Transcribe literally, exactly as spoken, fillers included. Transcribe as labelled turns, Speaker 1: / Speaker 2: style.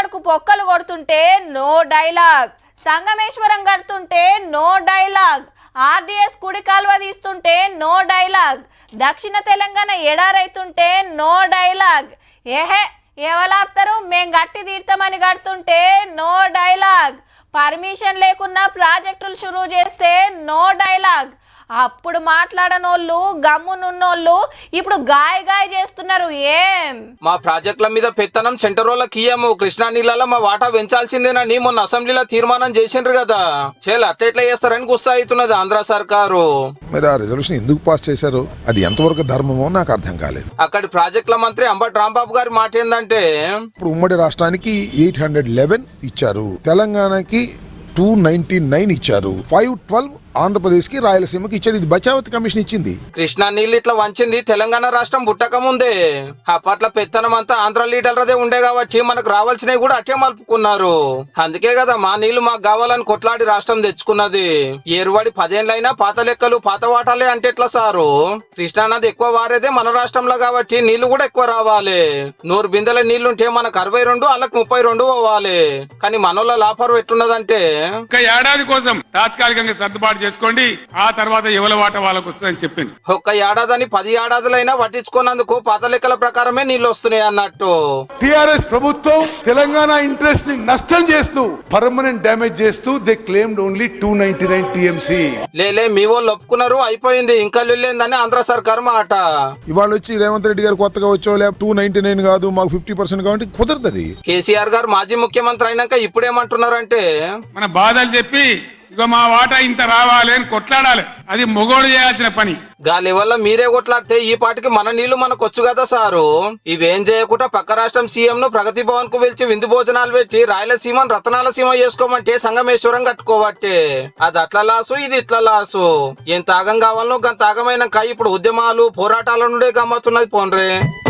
Speaker 1: కు పొక్కలు కొడుతుంటే నో డైలాగ్, సంగమేశ్వరం కడుతుంటే నో డైలాగ్, ఆర్డీఎస్ కుడి కాల్వ తీస్తుంటే నో డైలాగ్, దక్షిణ తెలంగాణ ఎడారైతుంటే నో డైలాగ్. ఏహే ఎవలాపుతారు, మేం గట్టి తీర్థమని కడుతుంటే నో డైలాగ్, పర్మిషన్ లేకున్నా ప్రాజెక్టులు షురూ చేస్తే నో డైలాగ్. అప్పుడు మాట్లాడనోళ్ళు గమ్మునున్నోళ్ళు ఇప్పుడు గాయ గాయ చేస్తున్నారు. ఏం
Speaker 2: మా ప్రాజెక్టుల మీద పెత్తనం సెంటర్ వాళ్ళకి ఇయ్యము, కృష్ణా నీళ్ళలో మా వాటా పెంచాల్సిందేనని మొన్న అసెంబ్లీలో తీర్మానం చేసిండ్రు కదా. చేయాలి అట్లా చేస్తారని గుస్సా అవుతున్నది ఆంధ్ర సర్కారు.
Speaker 3: మరి ఆ రిజల్యూషన్ ఎందుకు పాస్ చేశారు, అది ఎంతవరకు ధర్మమో నాకు అర్థం కాలేదు.
Speaker 2: అక్కడి ప్రాజెక్టుల మంత్రి అంబటి రాంబాబు గారి మాట ఏంటంటే,
Speaker 3: ఇప్పుడు ఉమ్మడి రాష్ట్రానికి ఎయిట్ హండ్రెడ్ లెవెన్ ఇచ్చారు, తెలంగాణకి టూ నైన్టీ నైన్ ఇచ్చారు, ఫైవ్ ట్వెల్వ్ ఆంధ్రప్రదేశ్ కి రాయలసీమకి ఇచ్చారు. ఇది బచావతి కమిషన్ ఇచ్చింది.
Speaker 2: కృష్ణా నీళ్ళు ఇట్లా వంచింది తెలంగాణ రాష్ట్రం పుట్టక ముందే. అప్పట్ల పెత్తనం అంతా ఆంధ్ర లీడర్లదే ఉండే కాబట్టి మనకు రావాల్సినవి కూడా అట్టే మలుపుకున్నారు. అందుకే కదా మా నీళ్లు మాకు కావాలని కొట్లాడి రాష్ట్రం తెచ్చుకున్నది. ఏరువాడి పదేళ్ళైనా పాత లెక్కలు పాత వాటాలే అంటే ఎట్లా సారు? కృష్ణా నది ఎక్కువ వారేదే మన రాష్ట్రంలో కాబట్టి నీళ్లు కూడా ఎక్కువ రావాలి. నూరు బిందెల నీళ్లుంటే మనకు అరవై రెండు వాళ్ళకి ముప్పై రెండు పోవాలి. కానీ మనోళ్ళ లాభం ఎట్టున్నదంటే
Speaker 4: ఒక ఏడాది కోసం తాత్కాలికంగా సర్దుబాటు చేసుకోండి, ఆ తర్వాత ఎవరి వాట వాళ్ళకు వస్తుందని చెప్పింది.
Speaker 2: ఒక్క ఏడాదని పది ఏడాదులైనా పట్టించుకున్నందుకు పాత లెక్కల ప్రకారమే నీళ్లు వస్తున్నాయి అన్నట్టు.
Speaker 5: టిఆర్ఎస్ ప్రభుత్వం తెలంగాణ ఇంట్రెస్ట్ ని నష్టం చేస్తూ పర్మనెంట్ డ్యామేజ్ చేస్తూ they claimed only two ninety nine TMC.
Speaker 2: లేలే మీ వాళ్ళు ఒప్పుకున్నారు, అయిపోయింది, ఇంకా లేదని ఆంధ్ర సర్కార్ మాట.
Speaker 3: ఇవాళ వచ్చి రేవంత్ రెడ్డి గారు కొత్తగా వచ్చో లేక టూ నైన్టీ నైన్ కాదు మాకు ఫిఫ్టీ పర్సెంట్ కాబట్టి కుదరదు.
Speaker 2: కేసీఆర్ గారు మాజీ ముఖ్యమంత్రి అయినాక ఇప్పుడేమంటున్నారంటే,
Speaker 4: మన బాధలు చెప్పి ఇక మా వాటా ఇంత రావాలి అని కొట్లాడాలి, అది మొగోడు చేయాల్సిన పని.
Speaker 2: గాలి వల్ల మీరే కొట్లాడితే ఈ పాటికి మన నీళ్లు మనకు వచ్చు కదా సారు. ఇవేం చేయకుండా పక్క రాష్ట్రం సీఎం ను ప్రగతి భవన్ కు పిలిచి విందు భోజనాలు పెట్టి రాయలసీమను రతనాల సీమ చేసుకోమంటే సంగమేశ్వరం కట్టుకోబట్టే. అది అట్లా లాసు, ఇది ఇట్లా లాసు. ఏం తాగం కావాలనో గంత తాగమైనాక ఇప్పుడు ఉద్యమాలు పోరాటాల నుండే గమ్మతున్నది పోన్రే.